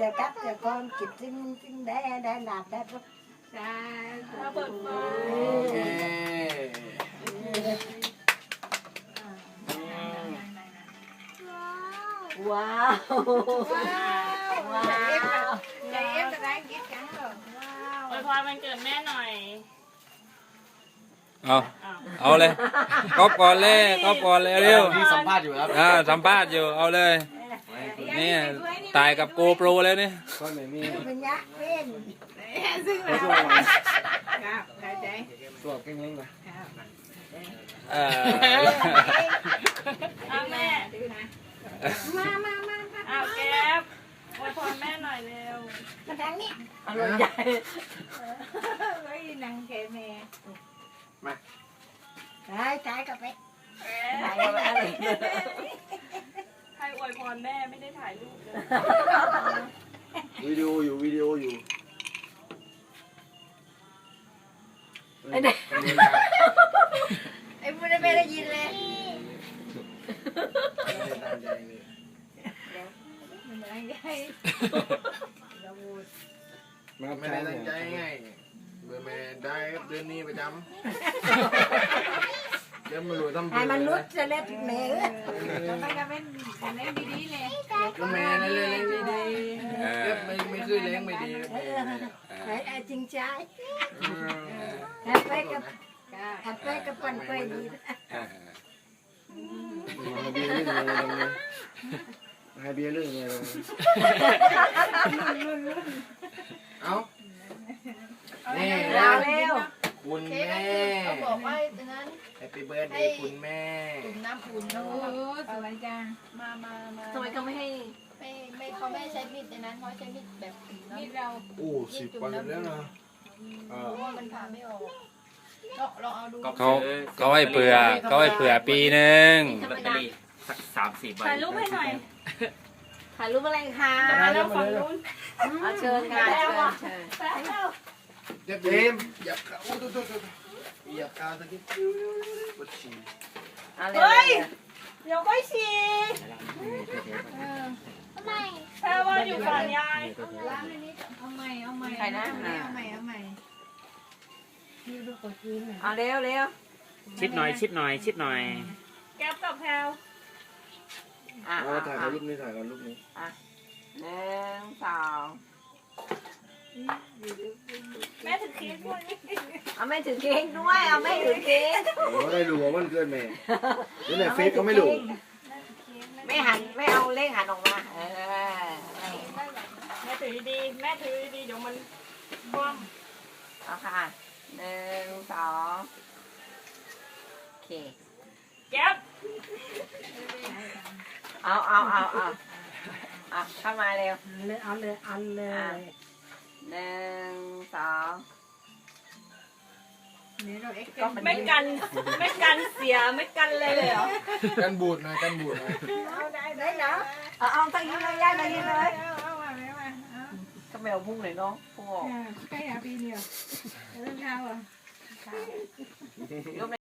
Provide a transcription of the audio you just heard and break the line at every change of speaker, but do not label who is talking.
cắt cho con kịp xin để làm đó
Dạ, nó bật mà.
Wow.
Wow. Chị em đã đang ghét cắn rồi.
อวยพรวันเกิดแม่หน่อย
เอาเลยก๊อปก่อนเลยก๊อปก่อนเลยเร็ว
ที่สัมภาษณ์อยู่ครับ
สัมภาษณ์อยู่เอาเลยนี่ตายกับโกโปรแล้วนี่
ก็ไม่มี
Mình nhắc lên.
ซึ่งแล้วครับเข้าใจ
ตัวเก่งเล้งนะ
เอาแม่
ดื้อนะ
Ma.
เอาแก๊ปอวยพรแม่หน่อยเร็ว
Mà thằng nhé.
อร่อยใหญ่ไว้นั่งแกแม่
Đấy, trái cà phê.
ให้อวยพรแม่ไม่ได้ถ่ายรูปเลย
วิดีโออยู่
Em mua đây là gì lên?
มันนั่งใหญ่
ไม่ได้ตั้งใจไงเบอร์แม่ได้ครับเดือนนี้ประจำเดี๋ยวมาดูทำ
Ai mà nuốt cho lên mẹ.
เราไปกันเป็นเล่นดีๆเลย
ก็แม่นั่นเลยเลี้ยงดีๆเก็บไม่คือเลี้ยงไม่ดีครับแม่
Đấy, ai chinh trái.
อืม
Cà phê cái phần quay gì đó.
ให้เบียร์เรื่องอะไรเอานี่
Nào leo.
คุณแม่
เขาบอกว่าดังนั้น
Happy birthday คุณแม่
จุ่มน้ำอุ่น
โอ้
แล้วก็
สวยจัง
มา
ทำไมเขาไม่ให้ไม่เขาไม่ใช้มีดในนั้นเขาใช้มีดแบบจุ่ม
มี
น้ำ
เรา
โอ้10 วันแล้วนะ
เพราะว่ามันผ่าไม่ออกลองเอาดู
เขาให้เผื่อปีหนึ่ง
ลอตเตอรี่สัก30 ใบ
ถ่ายรูปให้หน่อย
ถ่ายรูปอะไรคะ
มาแล้วฝั่งนู้น
เอาเชิญค่ะเชิญ
เดี๋ยวอย่าเข้าอย่าเข้าตะกี้ปวดฉี่
เอาเล
เฮ้ย
ย
เดี๋ยวก็ฉี่
ทำไม
แพรว่าอยู่ฝั่งยาย
ล้างในนี้
เอาใหม่เอาใหม่
ใครนะ
เอาใหม่นี่ดูกดกิน
เอาเร็วเร็ว
ชิดหน่อยชิดหน่อย
แก๊ปกับแพรว
อ่ะ
ถ่ายกับรูปนี้ถ่ายกับรูปนี้
หนึ่งสอง
แม่ถือเค้กด้วย
เอาไม่ถือเค้กด้วยเอาไม่ถือเค้ก
โอ้ได้รู้ว่ามันเกินแม่เดี๋ยวไหนเฟซก็ไม่รู้
ไม่หันไม่เอาเลขหันออกมา
แม่ถือดีๆแม่ถือดีๆเดี๋ยวมันคว่
เอาค่ะหนึ่งสองโอเค
ำแก๊ป
เอาเข้ามาเร็วเอาเลยหนึ่งสอง
นี่เราเอ็กซ์
ก็มัน
ไม่กันเสียไม่กันเลยเหรอ
กันบูดหน่อย
เอาได้
đấy đóเอาตั้งยิ้มเลยย่าตั้งยิ้มเลย
เอามาเอา
ก็แมวพุ่งเลยน้องพุ่งออก
ใกล้หาปีเดียวเริ่มเท้าอ่ะ
ยก